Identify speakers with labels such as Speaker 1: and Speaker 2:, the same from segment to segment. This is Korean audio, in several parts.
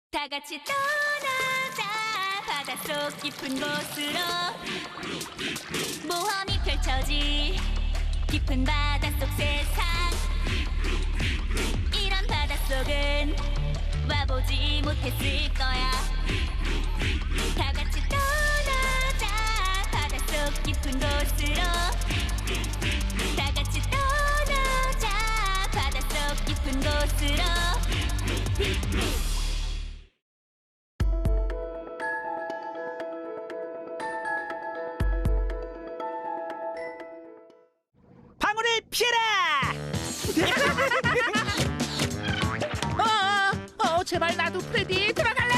Speaker 1: 다 같이 떠나자 바닷속 깊은 곳으로 모험이 펼쳐질 깊은 바닷속 세상 이런 바닷속은 와보지 못했을 거야 다 같이 떠나자 바닷속 깊은 곳으로 다 같이 떠나자 바닷속 깊은 곳으로
Speaker 2: 방울을 피해라! 제발 나도 프레디 들어갈래?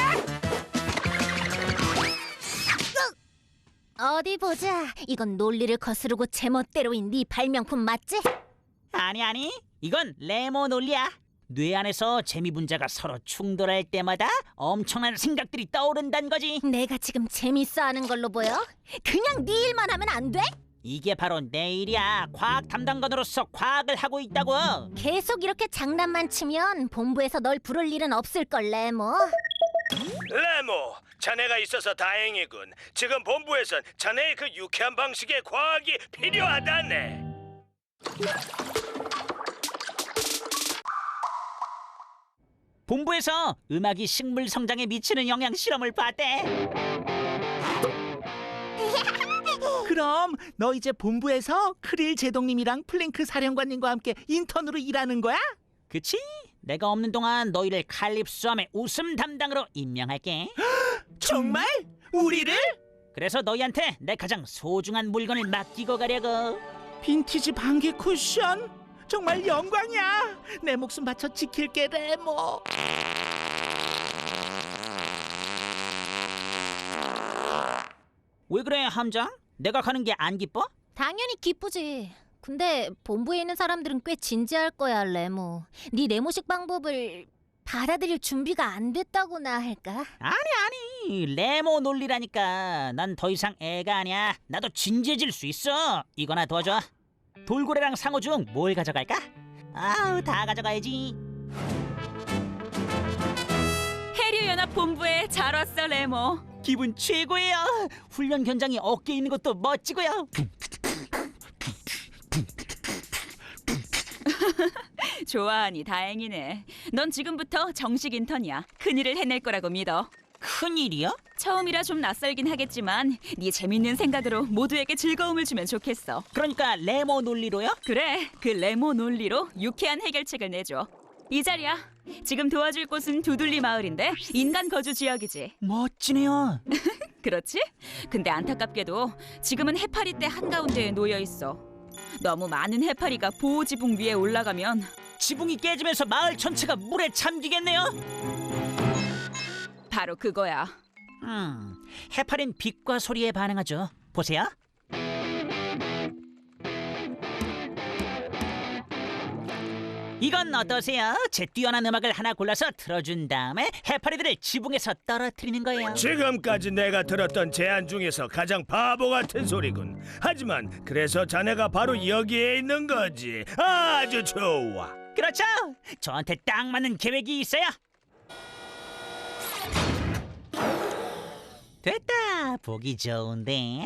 Speaker 3: 어디 보자. 이건 논리를 거스르고 제멋대로인 네 발명품 맞지?
Speaker 2: 아니, 이건 레모 논리야. 뇌 안에서 재미 분자가 서로 충돌할 때마다 엄청난 생각들이 떠오른다는 거지.
Speaker 3: 내가 지금 재밌어하는 걸로 보여? 그냥 네 일만 하면 안 돼?
Speaker 2: 이게 바로 내 일이야. 과학 담당관으로서 과학을 하고 있다고.
Speaker 3: 계속 이렇게 장난만 치면 본부에서 널 부를 일은 없을걸래 뭐.
Speaker 4: 레모, 자네가 있어서 다행이군. 지금 본부에선 자네의 그 유쾌한 방식의 과학이 필요하다네.
Speaker 2: 본부에서 음악이 식물 성장에 미치는 영향 실험을 봤대.
Speaker 5: 그럼 너 이제 본부에서 크릴 제동님이랑 플랭크 사령관님과 함께 인턴으로 일하는 거야?
Speaker 2: 그치? 내가 없는 동안 너희를 칼립소함의 웃음 담당으로 임명할게.
Speaker 5: 정말? 우리를?
Speaker 2: 그래서 너희한테 내 가장 소중한 물건을 맡기고 가려고.
Speaker 5: 빈티지 방귀 쿠션? 정말 영광이야. 내 목숨 바쳐 지킬게 레모.
Speaker 2: 왜 그래 함장? 내가 가는 게 안 기뻐?
Speaker 3: 당연히 기쁘지. 근데 본부에 있는 사람들은 꽤 진지할 거야 레모. 네 네모식 방법을 받아들일 준비가 안 됐다고나 할까?
Speaker 2: 아니 레모 논리라니까. 난 더 이상 애가 아니야. 나도 진지해질 수 있어. 이거나 도와줘. 돌고래랑 상어 중 뭘 가져갈까? 아우 다 가져가야지.
Speaker 1: 해류연합 본부에 잘 왔어 레모
Speaker 2: 기분 최고예요. 훈련 견장이 어깨에 있는 것도 멋지고요.
Speaker 1: 좋아하니 다행이네 넌 지금부터 정식 인턴이야 큰일을 해낼 거라고 믿어
Speaker 2: 큰일이요?
Speaker 1: 처음이라 좀 낯설긴 하겠지만 네 재밌는 생각으로 모두에게 즐거움을 주면 좋겠어
Speaker 2: 그러니까 레모 논리로요?
Speaker 1: 그래 그 레모 논리로 유쾌한 해결책을 내줘 이 자리야 지금 도와줄 곳은 두둘리 마을인데 인간 거주 지역이지
Speaker 2: 멋지네요.
Speaker 1: 그렇지? 근데 안타깝게도 지금은 해파리 떼 한가운데에 놓여있어 너무 많은 해파리가 보호지붕 위에 올라가면
Speaker 2: 지붕이 깨지면서 마을 전체가 물에 잠기겠네요.
Speaker 1: 바로 그거야
Speaker 2: 해파리는 빛과 소리에 반응하죠. 보세요. 이건 어떠세요? 제 뛰어난 음악을 하나 골라서 틀어준 다음에 해파리들을 지붕에서 떨어뜨리는 거예요.
Speaker 4: 지금까지 내가 들었던 제안 중에서 가장 바보 같은 소리군. 하지만 그래서 자네가 바로 여기에 있는 거지. 아주 좋아.
Speaker 2: 그렇죠. 저한테 딱 맞는 계획이 있어요. 됐다. 보기 좋은데.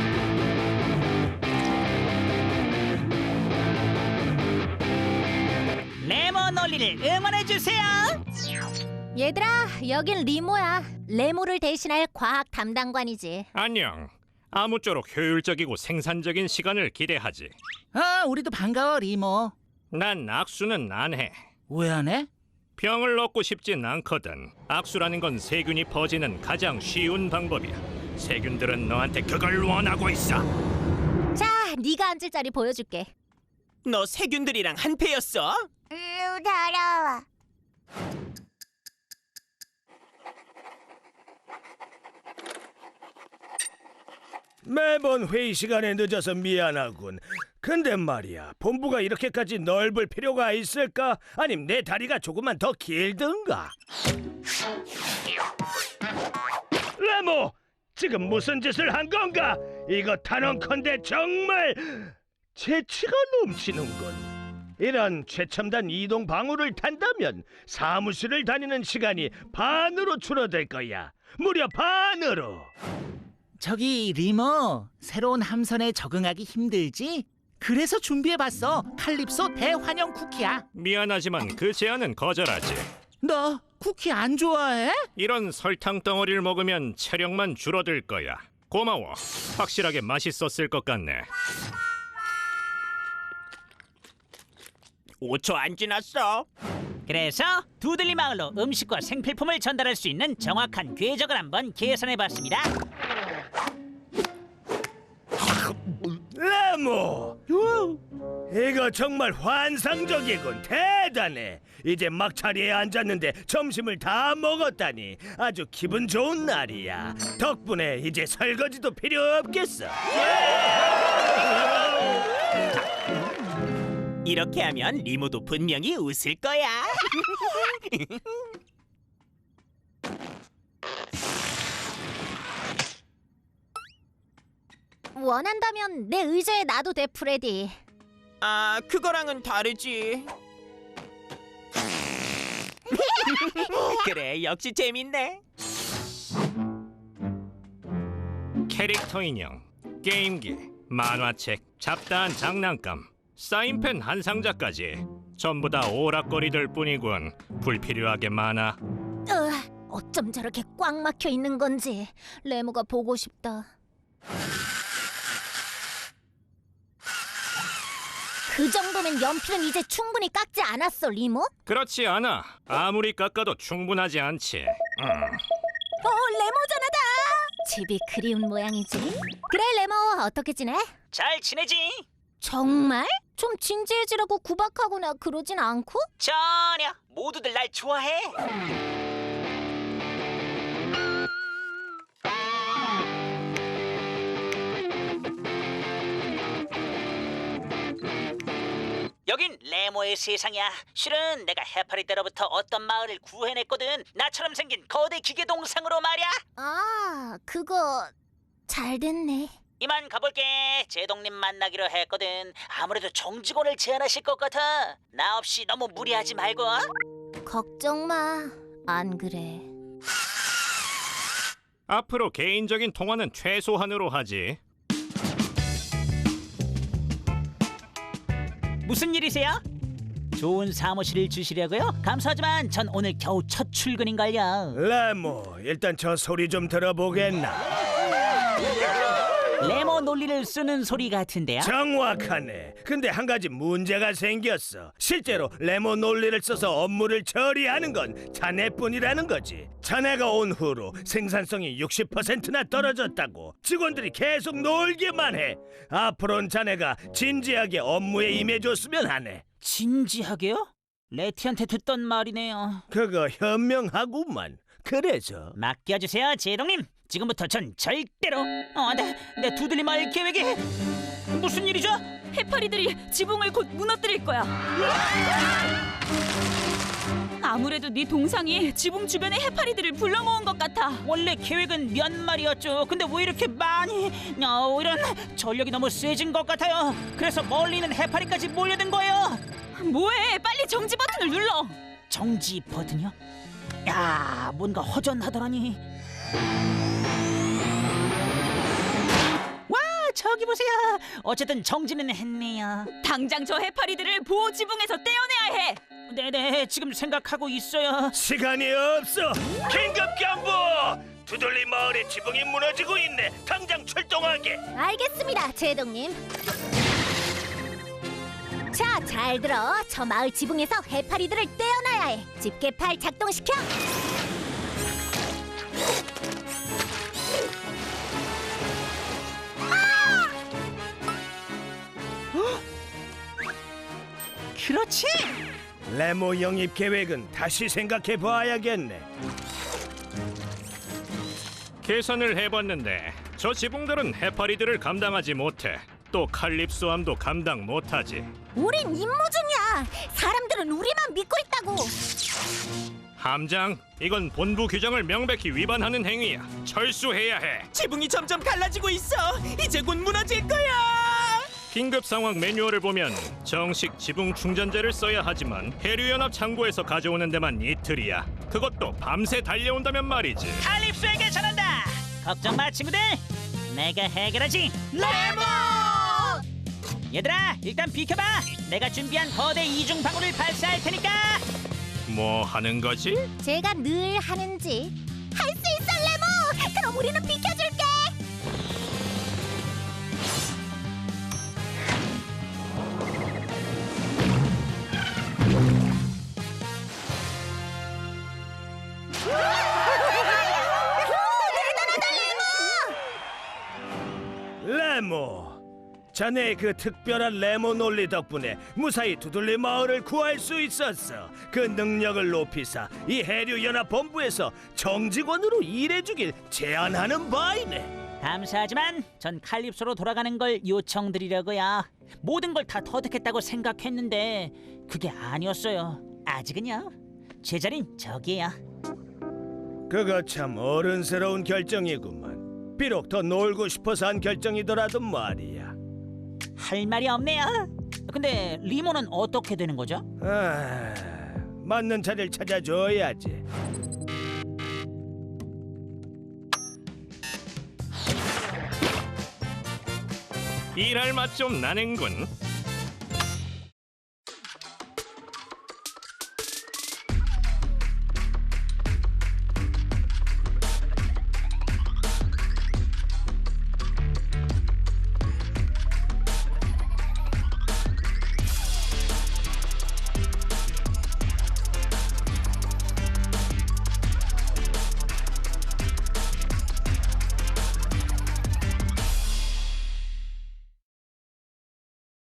Speaker 2: 레모 논리를 응원해주세요.
Speaker 3: 얘들아, 여긴 리모야. 레모를 대신할 과학 담당관이지.
Speaker 6: 안녕. 아무쪼록 효율적이고 생산적인 시간을 기대하지.
Speaker 5: 우리도 반가워 리모.
Speaker 6: 난 악수는 안 해.
Speaker 5: 왜 안 해?
Speaker 6: 병을 얻고 싶진 않거든. 악수라는 건 세균이 퍼지는 가장 쉬운 방법이야. 세균들은 너한테 그걸 원하고 있어.
Speaker 3: 자, 네가 앉을 자리 보여줄게.
Speaker 7: 너 세균들이랑 한패였어?
Speaker 3: 더러워.
Speaker 4: 매번 회의 시간에 늦어서 미안하군. 근데 말이야, 본부가 이렇게까지 넓을 필요가 있을까? 아님 내 다리가 조금만 더 길든가? 레모! 지금 무슨 짓을 한 건가? 이거 단언컨대 정말 재치가 넘치는군. 이런 최첨단 이동 방울을 탄다면 사무실을 다니는 시간이 반으로 줄어들 거야. 무려 반으로.
Speaker 5: 저기 리모, 새로운 함선에 적응하기 힘들지? 그래서 준비해봤어. 칼립소 대환영 쿠키야.
Speaker 6: 미안하지만 그 제안은 거절하지.
Speaker 5: 너 쿠키 안 좋아해?
Speaker 6: 이런 설탕 덩어리를 먹으면 체력만 줄어들 거야. 고마워. 확실하게 맛있었을 것 같네.
Speaker 7: 5초 안 지났어.
Speaker 2: 그래서 두들리 마을로 음식과 생필품을 전달할 수 있는 정확한 궤적을 한번 계산해봤습니다.
Speaker 4: 레모, 이거 정말 환상적이군. 대단해. 이제 막 자리에 앉았는데 점심을 다 먹었다니 아주 기분 좋은 날이야. 덕분에 이제 설거지도 필요 없겠어.
Speaker 7: 이렇게 하면 리모도 분명히 웃을 거야.
Speaker 3: 원한다면 내 의자에 놔도 돼, 프레디.
Speaker 7: 아, 그거랑은 다르지. 그래, 역시 재밌네.
Speaker 6: 캐릭터 인형, 게임기, 만화책, 잡다한 장난감, 사인펜 한 상자까지 전부 다 오락거리들 뿐이군. 불필요하게 많아.
Speaker 3: 어쩜 저렇게 꽉 막혀 있는 건지 레모가 보고 싶다. 그 정도면 연필은 이제 충분히 깎지 않았어, 리모?
Speaker 6: 그렇지 않아. 아무리 깎아도 충분하지 않지.
Speaker 3: 레모전하다! 집이 그리운 모양이지? 그래, 레모, 어떻게 지내?
Speaker 2: 잘 지내지?
Speaker 3: 정말? 좀 진지해지라고 구박하거나 그러진 않고?
Speaker 2: 전혀. 모두들 날 좋아해. 여긴 레모의 세상이야. 실은 내가 해파리 때로부터 어떤 마을을 구해냈거든. 나처럼 생긴 거대 기계 동상으로 말이야.
Speaker 3: 아, 그거 잘 됐네.
Speaker 2: 이만 가볼게. 제동님 만나기로 했거든. 아무래도 정직원을 제안하실 것 같아. 나 없이 너무 무리하지 말고.
Speaker 3: 걱정 마. 안 그래.
Speaker 6: 앞으로 개인적인 통화는 최소한으로 하지.
Speaker 2: 무슨 일이세요? 좋은 사무실을 주시려고요? 감사하지만 전 오늘 겨우 첫 출근인걸요.
Speaker 4: 레모, 일단 저 소리 좀 들어보겠나?
Speaker 2: 레모 논리를 쓰는 소리 같은데요?
Speaker 4: 정확하네. 근데 한 가지 문제가 생겼어. 실제로 레모 논리를 써서 업무를 처리하는 건 자네뿐이라는 거지. 자네가 온 후로 생산성이 60%나 떨어졌다고. 직원들이 계속 놀기만 해. 앞으로는 자네가 진지하게 업무에 임해줬으면 하네.
Speaker 2: 진지하게요? 레티한테 듣던 말이네요.
Speaker 4: 그거 현명하구만. 그래서
Speaker 2: 맡겨주세요, 제동님. 지금부터 전 절대로 내 두들리 마을 계획이 무슨 일이죠?
Speaker 1: 해파리들이 지붕을 곧 무너뜨릴 거야. 아무래도 네 동상이 지붕 주변의 해파리들을 불러 모은 것 같아.
Speaker 2: 원래 계획은 몇 마리였죠. 근데 왜 이렇게 많이? 이런 전력이 너무 세진 것 같아요. 그래서 멀리 있는 해파리까지 몰려든 거예요.
Speaker 1: 뭐해? 빨리 정지 버튼을 눌러.
Speaker 2: 정지 버튼이요? 야, 뭔가 허전하더라니. 와, 저기 보세요. 어쨌든 정지는 했네요.
Speaker 1: 당장 저 해파리들을 보호 지붕에서 떼어내야 해.
Speaker 2: 네네, 지금 생각하고 있어요.
Speaker 4: 시간이 없어. 긴급 경보! 두들리 마을의 지붕이 무너지고 있네. 당장 출동하게.
Speaker 3: 알겠습니다, 제동님. 자, 잘 들어. 저 마을 지붕에서 해파리들을 떼어놔야 해. 집게팔 작동시켜.
Speaker 2: 그렇지.
Speaker 4: 레모 영입 계획은 다시 생각해 봐야겠네.
Speaker 6: 계산을 해봤는데 저 지붕들은 해파리들을 감당하지 못해. 또 칼립소함도 감당 못하지.
Speaker 3: 우린 임무 중이야. 사람들은 우리만 믿고 있다고.
Speaker 6: 함장, 이건 본부 규정을 명백히 위반하는 행위야. 철수해야 해.
Speaker 7: 지붕이 점점 갈라지고 있어. 이제 곧 무너질 거야.
Speaker 6: 긴급 상황 매뉴얼을 보면 정식 지붕 충전재를 써야 하지만 해류연합 창고에서 가져오는 데만 이틀이야. 그것도 밤새 달려온다면 말이지.
Speaker 2: 칼립소에게 전한다. 걱정 마 친구들. 내가 해결하지.
Speaker 3: 레몬!
Speaker 2: 얘들아 일단 비켜봐. 내가 준비한 거대 이중 방울을 발사할 테니까.
Speaker 6: 뭐 하는 거지?
Speaker 3: 제가 늘 하는지. 할 수 있어, 레몬! 그럼 우리는 비켜줄게!
Speaker 4: 레모, 자네의 그 특별한 레모 논리 덕분에 무사히 두들리 마을을 구할 수 있었어. 그 능력을 높이사 이 해류 연합 본부에서 정직원으로 일해주길 제안하는 바이네.
Speaker 2: 감사하지만 전 칼립소로 돌아가는 걸 요청드리려고요. 모든 걸 다 터득했다고 생각했는데 그게 아니었어요. 아직은요. 제 자린 저기에요.
Speaker 4: 그거 참 어른스러운 결정이구만. 비록 더 놀고 싶어서 한 결정이더라도 말이야.
Speaker 2: 할 말이 없네요. 근데 리모는 어떻게 되는 거죠?
Speaker 4: 맞는 자리를 찾아줘야지.
Speaker 6: 일할 맛 좀 나는군.